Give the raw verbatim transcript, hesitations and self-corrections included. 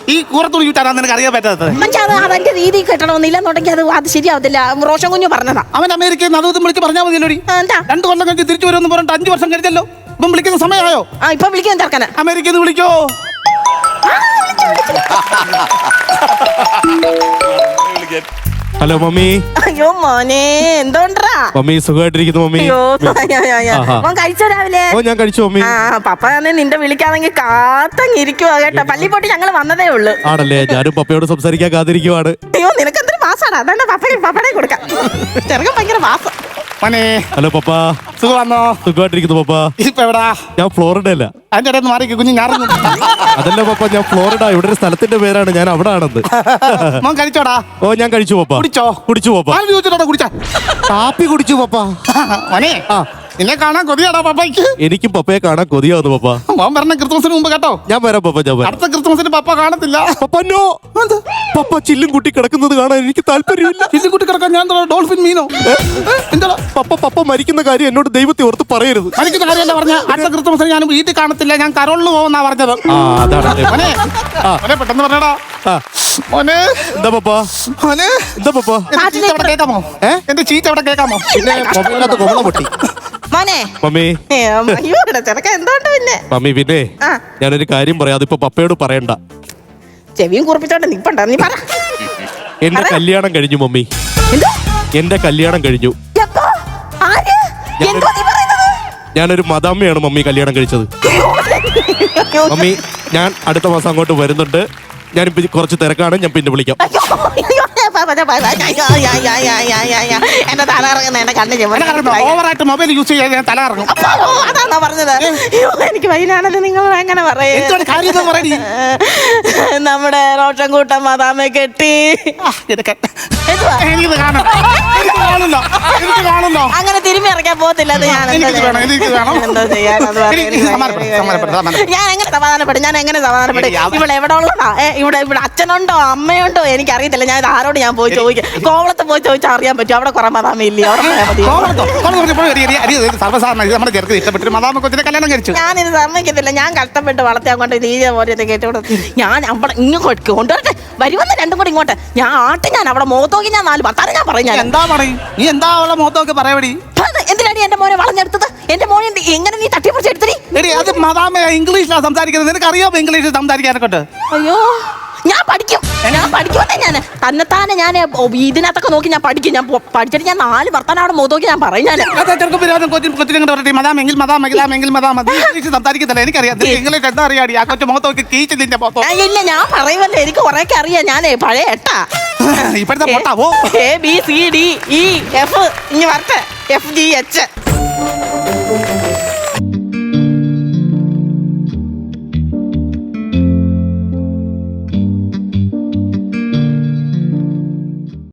ഈ കൂറത്തുണി ചുറ്റാനാ നിനക്ക് അറിയാൻ പറ്റാത്തത്? അവന്റെ രീതി കെട്ടണമെന്നില്ലെന്നുണ്ടെങ്കിൽ അത് അത് ശരിയാവത്തില്ല. റോഷൻ കുഞ്ഞു പറഞ്ഞതാ. അവൻ അമേരിക്കയിൽ നിന്ന് അതും വിളിച്ച് പറഞ്ഞാൽ മതിയല്ലോടി. എന്താ രണ്ടു കൊല്ലം കഴിഞ്ഞ് തിരിച്ചു വരുമെന്ന് പറഞ്ഞിട്ട് അഞ്ചു വർഷം കഴിഞ്ഞല്ലോ. ഇപ്പം വിളിക്കുന്ന സമയമായോ? ആ ഇപ്പൊ വിളിക്കാൻ ചെറുക്കനെ അമേരിക്കയിൽ നിന്ന് വിളിക്കോ? Hello mummy. അയ്യോ മോനെ എന്തോണ്ടാ മമ്മി സുഖമായിട്ടിരിക്കുന്നു മമ്മി. മോൻ കഴിച്ചോ രാവിലെ? ഓ ഞാൻ കഴിച്ചു മമ്മി. ആ പപ്പ തന്നെ നിന്റെ വിളിക്കാണെങ്കിൽ കാത്തങ്ങിരിക്കുവാ കേട്ടോ. പള്ളി പോയിട്ട് ഞങ്ങൾ വന്നതേ ഉള്ളു. ആണല്ലേ? ഞാനും പപ്പയോട് സംസാരിക്കാൻ കാത്തിരിക്കുവാണ്. അയ്യോ നിനക്ക് എന്തൊരു മാസാണ്. അതാണ് പപ്പ പപ്പടെ കൊടുക്കാം. ചെറുക്കൻ ഭയങ്കര മാസം. Hello papa. സുഖമാണോ? സുഖമായിട്ടിരിക്കുന്നു പപ്പ. ഇപ്പൊ എവിടാ? ഞാൻ ഫ്ലോറിഡ അല്ല. അതിന്റെ ഇടയിൽ മാറി കുഞ്ഞു ഞാറുന്നു. അതല്ല പപ്പ, ഞാൻ ഫ്ലോറിഡ. ഇവിടെ ഒരു സ്ഥലത്തിന്റെ പേരാണ്. ഞാൻ അവിടെ ആണെന്ന്. മോൻ കഴിച്ചോടാ? ഓ ഞാൻ കഴിച്ചു പപ്പ. കുടിച്ചോ? കുടിച്ചു പപ്പ. കുടിച്ചാ? കാപ്പി കുടിച്ചു പപ്പ. മോനെ ആ നിന്നെ കാണാൻ കൊതിയാടാ പപ്പയ്ക്ക്. എനിക്കും പപ്പയെ കാണാൻ കൊതിയാവുന്നു പപ്പ. മോൻ പറഞ്ഞ ക്രിസ്മസിന് മുമ്പ് കേട്ടോ. ഞാൻ വരാം പപ്പ. ഞാൻ വരാം. അടുത്ത ക്രിസ്മസിന് പപ്പ കാണത്തില്ല. പപ്പ നോ. പപ്പ ചില്ലും കുട്ടി കിടക്കുന്നത് കാണാൻ എനിക്ക് താല്പര്യമില്ല. ചില്ലും കുട്ടി കിടക്കാൻ ഞാൻ ഡോൾഫിൻ മീനോ? എന്താ പപ്പ പപ്പ മരിക്കുന്ന കാര്യം എന്നോട് ദൈവത്തെ ഓർത്ത് പറയരുത്. മരിക്കുന്ന കാര്യമല്ല പറഞ്ഞ. അടുത്ത ക്രിസ്മസിന് ഞാൻ വീട്ടിൽ കാണത്തില്ല. ഞാൻ കരോളിന് പോകുന്നാ പറഞ്ഞത്. ആ അതാണ് മോനെ മോനെ പെട്ടെന്ന് പറഞ്ഞടാ. മോനെ എന്താ പപ്പ? മോനെ എന്താ പപ്പ? ചീത്ത അവിടെ കേൾക്കാമോ? എന്റെ ചീത്ത അവിടെ കേൾക്കാമോ? പിന്നെ മൊബൈലിനകത്ത് കൊമള പൊട്ടി. മോനെ മമ്മി. അയ്യോ ചെറുക്കൻ എന്തോണ്ട് പിന്നെ? മമ്മി പിന്നെ ഞാനൊരു കാര്യം പറയാം. അതിപ്പോ പപ്പയോട് പറയണ്ട. ചെവിയും കുറിപ്പിച്ചോണ്ട് നിപ്പണ്ട. നീ പറ. എന്റെ കല്യാണം കഴിഞ്ഞു മമ്മി. എന്റെ കല്യാണം കഴിഞ്ഞു. ഞാനൊരു മദാമ്മയാണ് മമ്മി കല്യാണം കഴിച്ചത്. മമ്മി ഞാൻ അടുത്ത മാസം അങ്ങോട്ട് വരുന്നുണ്ട്. ഞാനിപ്പോ കുറച്ച് തിരക്കാണ്. ഞാൻ പിന്നെ വിളിക്കാം. എന്റെ തല ഇറങ്ങുന്ന എന്റെ കണ്ണ് ഓവറായിട്ട് മൊബൈൽ യൂസ് ചെയ്യാൻ തല ഇറങ്ങും. അതാണോ പറഞ്ഞത്? എനിക്ക് വൈനാണല്ലോ നിങ്ങൾ എങ്ങനെ പറയും? നമ്മുടെ റോഷൻ കൂട്ടം മദാമെ കെട്ടി. അങ്ങനെ തിരുമ്മി ഇറക്കാൻ പോകത്തില്ല. ഞാൻ എങ്ങനെ സമാധാനപ്പെടും? ഞാൻ എങ്ങനെ സമാധാനപ്പെടും? ഇവിടെ എവിടെ ഉള്ളതാ? ഇവിടെ ഇവിടെ അച്ഛനുണ്ടോ അമ്മയുണ്ടോ എനിക്കറിയത്തില്ല. ഞാൻ ആരോട് ഞാൻ പോയി ചോദിക്കാം. കോവളത്ത് പോയി ചോദിച്ചാൽ അറിയാൻ പറ്റും. അവിടെ കുറെ മദാമ ഇല്ലേ? അവിടെ ഞാനിത് സമ്മതിക്കത്തില്ല. ഞാൻ കഷ്ടപ്പെട്ട് വളർത്തിയാൻ കൊണ്ട് രീതി പോലെ കേട്ടോട് ഞാൻ അവിടെ ഇങ്ങോട്ട് കൊണ്ടുവരട്ടെ. വരുമെന്ന് രണ്ടും കൂടി ഇങ്ങോട്ട് ഞാൻ ആട്ടി. ഞാൻ അവിടെ മുഖത്തോക്കി ഞാൻ നാല് ഭർത്താനം ഞാൻ പറയും. ഞാൻ എന്താ പറയും? നീ എന്താ അവളെ മുഖത്തൊക്കെ പറയടി? എന്തിനാണ് എന്റെ മോനെ വളഞ്ഞെടുത്തത്? എന്റെ മോനെ എങ്ങനെ നീ തട്ടിപ്പറിച്ചെടുത്തി? അത് മദാമ ഇംഗ്ലീഷിലാണ് സംസാരിക്കുന്നത്. നിനക്ക് അറിയാമോ ഇംഗ്ലീഷിൽ സംസാരിക്കാനൊക്കെ? അയ്യോ ഞാൻ പഠിക്കും. ഞാൻ പഠിക്കുമെന്നേ. ഞാൻ തന്നെത്താനെ ഞാൻ ഇതിനകത്തൊക്കെ നോക്കി ഞാൻ പഠിക്കും. ഞാൻ പഠിച്ചിട്ട് ഞാൻ നാല് ഭർത്താനം അവിടെ മുഖത്തോക്കി ഞാൻ പറയും. ഞാൻ സംസാരിക്കത്തില്ല. എനിക്കറിയാം ഇംഗ്ലീഷ് എന്താ അറിയാടി? ആ കൊച്ചു മുഖത്തോക്കി കീച്ച് നിന്റെ മുഖത്തോ? ഇല്ല ഞാൻ പറയുമല്ലോ. എനിക്ക് കുറെയൊക്കെ അറിയാം. ഞാനേ പഴയ എട്ടാ. ഇപ്പോഴത്തെ പൊട്ടാവോ? A B C D E F ഇനി വരട്ടെ. F G H